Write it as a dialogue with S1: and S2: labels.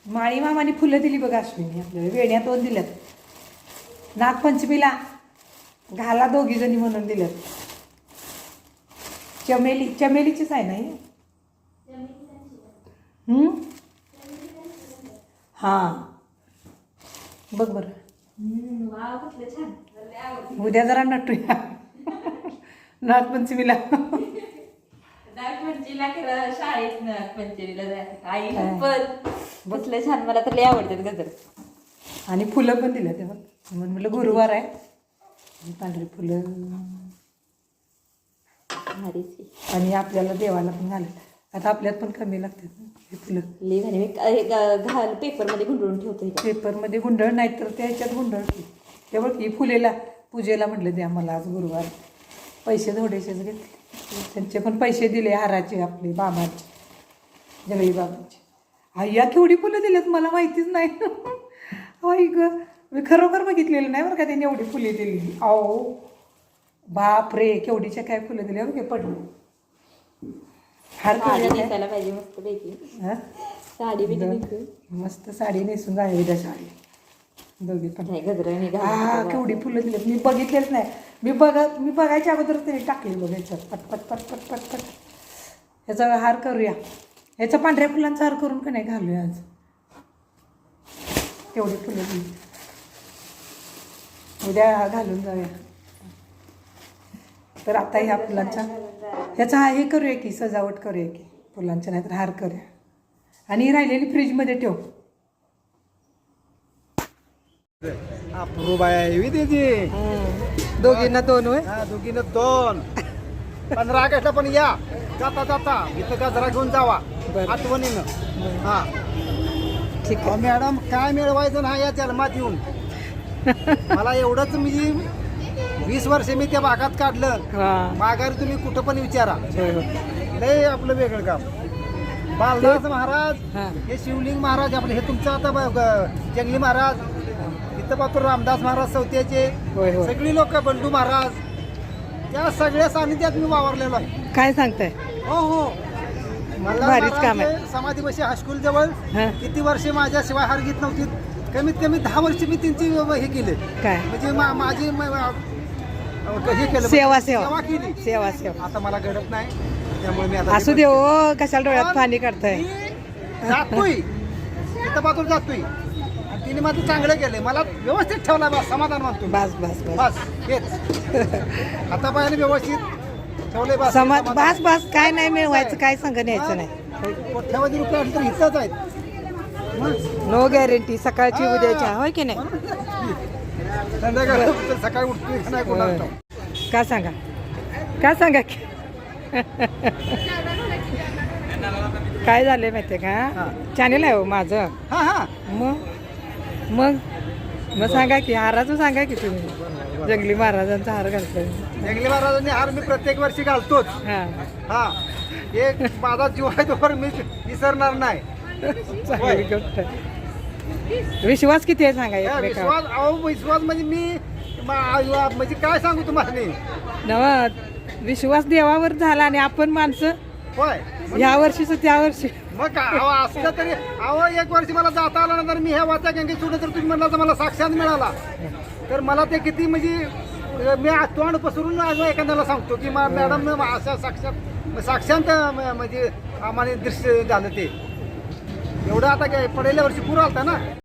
S1: माळी मामाने फुलं दिली बघा अश्विनी आपल्याला. वेण्या 2 दिल्यात. नागपंचमीला घाला 2 जणी म्हणून दिल्यात. चमेलीचीच आहे ना ही. हां बघ बरं. उद्या जरा नटूया नागपंचमीला.
S2: नागपंचमीला शाळेत नागपंचमीला जायचं आई पण बसलं छान. मला तर लय आवडतात गजर.
S1: आणि फुलं पण दिलं तेव्हा. म्हणून म्हटलं गुरुवार आहे पांढरी फुलं. आणि आपल्याला देवाला पण घालत. आता आपल्यात पण कमी लागतात हे फुलं.
S2: लय भारी. मी घाल पेपरमध्ये गुंडळून ठेवतो.
S1: पेपरमध्ये गुंडळ नाही तर त्या ह्याच्यात गुंडळ की तेव्हा की फुलेला पूजेला म्हटलं द्या मला आज गुरुवार. पैसे थोडेसेच घेतले. त्यांचे पण पैसे दिले हाराचे आपले बाबांचे जगळी बाबांचे. आय्या केवढी फुलं दिलेत मला माहितीच नाही. आई ग मी खरोखर बघितलेलं नाही बरं का त्यांनी एवढी फुले दिली. आओ बाप रे केवढीच्या काय फुलं दिल्या बघे पडलं. हार
S2: नेसायला पाहिजे मस्त पैकी.
S1: हां
S2: साडी बी
S1: मस्त साडी नेसून जाय उद्या शाळेत दोघी पण.
S2: नाही गजरा
S1: हा केवढी फुलं दिली मी बघितलेच नाही. मी बघायच्या अगोदर त्यांनी टाकली बघ ह्याच्यात पटपट पटपट पटपट. ह्याचा हार करूया. ह्याचा पांढऱ्या फुलांचा हार करून का नाही घालूया आज. तेवढी फुलं दिली उद्या घालून जाऊया. तर आता ह्या फुलांचा ह्याचा हे करूया की सजावट करूया की फुलांच्या नाहीतर हार करूया. आणि ही राहिलेली फ्रीजमध्ये ठेव.
S3: अप्रूप आहे त्याची.
S1: दोघींना 2 होय.
S3: हा दोघीनं 2. 15 ऑगस्टला पण या जाता जाता इथं गजरा घेऊन जावा आठवणीनं. हा
S1: ठीक आहे.
S3: मॅडम काय मिळवायचं ना या जन्मात येऊन. मला एवढंच म्हणजे 20 वर्ष मी त्या भागात काढलं.
S1: हां
S3: माघारी तुम्ही कुठं पण विचारा.
S1: होय होय.
S3: लय आपलं वेगळं काम. बालदास महाराज
S1: हां
S3: हे शिवलिंग महाराज आपले हे तुमचं आता जंगली महाराज. इथं पाहतो रामदास महाराज चौथ्याचे
S1: होय होय.
S3: सगळी लोक बंडू महाराज त्या सगळ्या सानिध्यात मी वावरलेलो आहे.
S1: काय सांगताय.
S3: हो हो मला
S1: भारीच काम आहे.
S3: समाधीपाशी हायस्कूल जवळ
S1: हां
S3: किती वर्षे माझ्याशिवाय हार घेत नव्हती. कमीत कमी 10 वर्ष मी त्यांची हे केले.
S1: काय
S3: म्हणजे माझी हे केलं
S1: सेवा
S3: केली.
S1: सेवा
S3: आता मला घडत नाही त्यामुळे मी आता
S1: असू दे हो. कशाला डोळ्यात पाणी काढताय.
S3: मी जातोय इथं बाजूला जातोय आणि तिने माझं चांगलं केलंय. मला व्यवस्थित ठेवला बस समाधान मानतो.
S1: बस बस बस
S3: बस हेच आता पायाने व्यवस्थित ठेवले बस.
S1: बस बस काय नाही मिळवायचं काय सांग न्यायचं नाही.
S3: कोट्यावधी रुपये असले तर इथंच आहेत.
S1: नो गॅरंटी सकाळची उद्याच्या होय की नाही.
S3: संध्याकाळी सकाळी उठतोय का नाही कोणाला ठाऊक.
S1: का सांगा की काय झालंय माहितीये का. चॅनेल आहे हो माझं.
S3: हा हा
S1: मग सांगा की हाराचं सांगा की तुम्ही. जंगली महाराजांचा हार घालतोय.
S3: जंगली महाराजांनी हार मी प्रत्येक वर्षी घालतोच.
S1: हा
S3: हा एक माझा जीव आहे तोवर मी विसरणार नाही.
S1: चांगली गोष्ट आहे. विश्वास किती आहे सांगा
S3: हा,
S1: एकमेकावर.
S3: विश्वास म्हणजे मी म्हणजे काय सांगू तुम्हाला.
S1: नव विश्वास देवावर झाला आणि आपण माणसं
S3: होय
S1: ह्या वर्षीच त्या वर्षी.
S3: मग काय असलं तरी एक वर्षी मला जाता आलं नंतर मी ह्या वाचा गंगे सोडलं तर तुम्ही म्हणला तर मला साक्षात मिळाला. तर मला ते किती म्हणजे मी तोंड पसरून एखाद्याला सांगतो की मॅडम अशा साक्षात म्हणजे आम्हाला दृश्य झालं ते. एवढं आता काय पडेल्या वर्षी पूर आलता ना.